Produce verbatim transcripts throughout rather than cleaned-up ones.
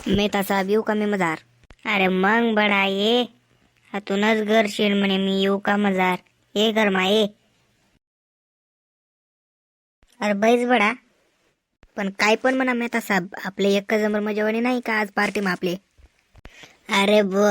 मी तसा येऊ का मी मजार? अरे मग बडा ये हातूनच घर शेण म्हणे मी येऊ का मजार? ये घर मा ये. अरे बैस बडा. पण काय पण म्हणा मेहता साहेब आपले एक जमर मजेवानी नाही का आज पार्टी मा आपले? अरे बो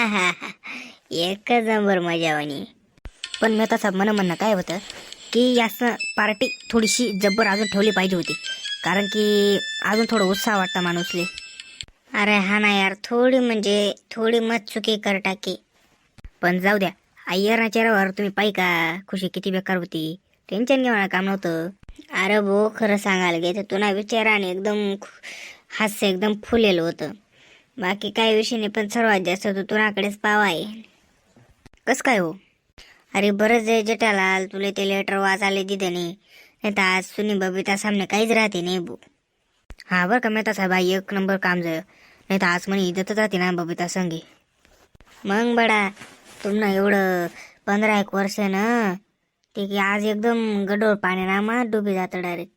एक जमर मजेवानी. पण मेहता साहेब म्हणा म्हणणं काय होतं की याचं पार्टी थोडीशी जब्बर अजून ठेवली पाहिजे होती, कारण की अजून थोडं उत्साह वाटता माणूसले. अरे हा ना यार, थोडी म्हणजे थोडी मत चुकी कर टाकी. पण जाऊ द्या, अय्यरना चेहऱ्यावर तुम्ही पाहि का खुशी किती बेकार होती. टेन्शन घेऊन काम नव्हतं. अरे भो खरं सांगायला गे तर तुला विचाराने एकदम हास्य एकदम फुलेलं होतं. बाकी काही विषय नाही, पण सर्वात जास्त तू तुझ्याकडेच पावा आहे. कस काय हो? अरे बरंच आहे जटालाल, तुले ते लेटर वाचायला दिदे नाही, नाही तर आज सुनी बबिता सामने काहीच राहते नाही बो. हा बरं का मेहता साहेब, एक नंबर काम झालं. नाही तर आज म्हणे इज्जतच राहते ना बबिता संगे. मग बडा तुम्हाला एवढं पंधरा एक वर्ष ना ते की आज एकदम गडोळ पाणी ना मग डुबी जातं डायरेक्ट.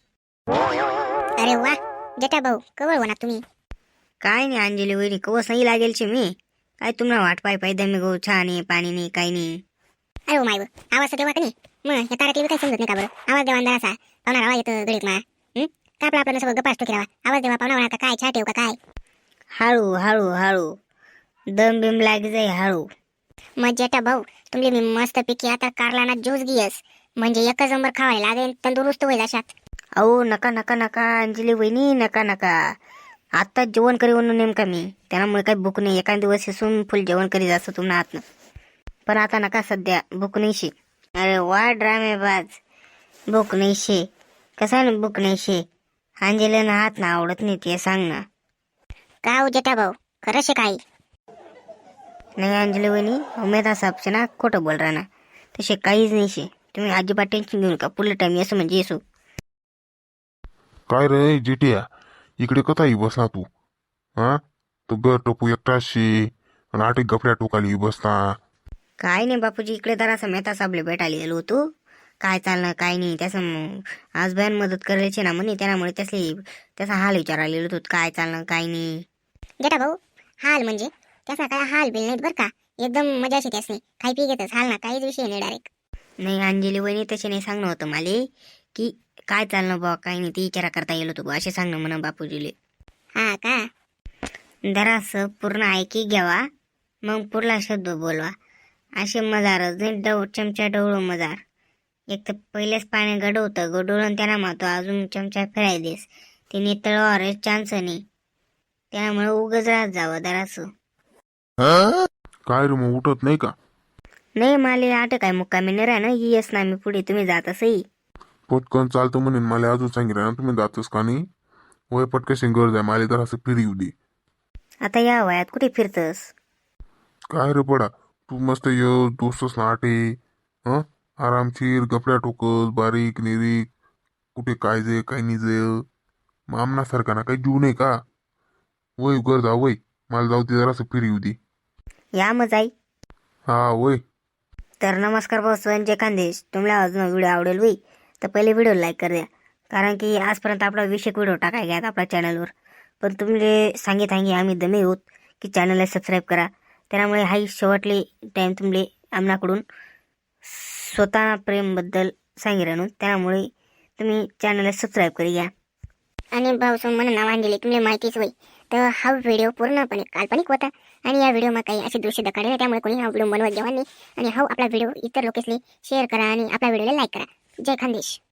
अरे वा जटा भाऊ, कवळ होणार तुम्ही. काय नाही अंजली वहिनी, कवस नाही लागेल शे मी. काय तुम्हाला वाट पाय पाय दमी गो छान नाही पाणी नाही काही नाही. अरे ओ माय व, आवाज देवा का नाही मग या तारातली काही समजत नाही का बरं? आवाज देवा अंधार असा पाहुणा रावा येतं गडीत मा. हं? का आपलं आपल्याला सगळं गप्पा असतो की रावा? आवाज देवा पाहुणा का काय छा ठेव का काय? हळू हळू हळू दम बिम लागी जाई हळू. मग जटा भाऊ तुमले मी मस्त पैकी आता कारलाना ज्यूस गियस, म्हणजे एकच नंबर खावायला लागेल तंदुरुस्त होईल अशात. अहो नका नका नका अंजली वहिनी, नका नका. आत्ताच जेवण करी म्हणून नेमका मी, त्यामुळे काही भूक नाही. एखाद दिवस हिसून फुल जेवण करीत असतं तुम्हाला आतनं, पण आता नका सध्या, भूक नाही शे. अरे वा ड्रामेबाज, भूक नाही शे. कसा ना भूक नाही शे? अंजलीनं हात ना आवडत नाही ते सांग ना. का हो जटा भाऊ, खरं शे काही? नाही अंजली वहिनी, उमेदा साहेबचे ना खोटं बोल राहा ना, तसे काहीच नाही शे. तुम्ही अजिबात टेन्शन घेऊ नका, पुढल्या टाइम येसो म्हणजे येसो. काय रे जिटिया, इकडे कथाही बसला तू? हा तो गर टोपू एकटाच शे आणि आठ गफड्या टोकाली बसता. काय नाही बापूजी, इकडे जरा असं मेहता साहेबले भेटायला गेलो होतो. काय चाललं काय नाही त्याचं आज बयान मदत करायची ना म्हणे, त्यामुळे त्यासले त्याचा हाल विचारायला गेलो होतो, काय चाललं काय नाही. जटा भाऊ हाल म्हणजे त्याचा काय हाल बिल नाहीत बरं का, एकदम मजाशी त्यासनी खाई पी घेतच हाल ना, काहीच विषय नाही डायरेक्ट. नाही अंजली वहिनी तसे नाही सांगणं होतं मला की काय चालणं बा काय नाही, ती विचारा करता गेलो होतो असे सांगणं म्हणा बापूजीले. हा का? जरासं पूर्ण ऐकी घ्यावा, मग पुढला शब्द बोलवा. असे मजारच नाही, डव चमचा डवळू मजार. एक तर पहिलेच पाणी गडवतं गडवून त्यांना मातो अजून चमचा फिराय देस, तिने तळवावर चान्स नाही, त्यामुळे उगच राहत जावं जरासं. काय रे मग उठत नाही का? नाही माले आठ काय मुक्कामी नाही राह ना, येस ना मी पुढे, तुम्ही जात असही. पटकन चालतं म्हणून मला अजून सांगितलं ना तुम्ही जातच का नाही? वय पटकशी गरज आहे मला, तर असं फिरी येऊ दे. आता या वयात कुठे फिरतस? काय रे पडा, तू मस्त ये दोस्तच ना आटे, हं आरामशीर गफड्या टोकस बारीक निरीक, कुठे काय जे काय नाही जे मामना सारखा ना काही जीव नाही का? वय गरज आहे वय, मला जाऊ दे जरा असं फिरी येऊ दे. या मग जाई. हा वय. तर नमस्कार भाऊ संजय खानदेश, तुम्हाला अजून व्हिडिओ आवडेल होई तर पहिले व्हिडिओ लाईक कर द्या, कारण की आजपर्यंत आपला विषय व्हिडिओ टाकाय घ्या आपल्या चॅनलवर, पण तुम्ही सांगित आहे आम्ही दमे होत की चॅनलला सबस्क्राईब करा. त्यामुळे हाही शेवटले टाईम तुमले आमनाकडून स्वतः प्रेमबद्दल सांगी राहून, त्यामुळे तुम्ही चॅनलला सबस्क्राईब करी घ्या. आणि भाऊ सो म्हणून नाव आणलेले तुम्हाला माहितीच होई, तर हा व्हिडिओ पूर्णपणे काल्पनिक होता आणि या व्हिडिओ मध्ये काही असे दृश्य दाखवले, त्यामुळे कोणी हा व्हिडिओ बनवत जेव्हा नाही. आणि हा आपला व्हिडिओ इतर लोकांनी शेअर करा आणि आपला व्हिडिओला लाईक करा. जय खानदेश.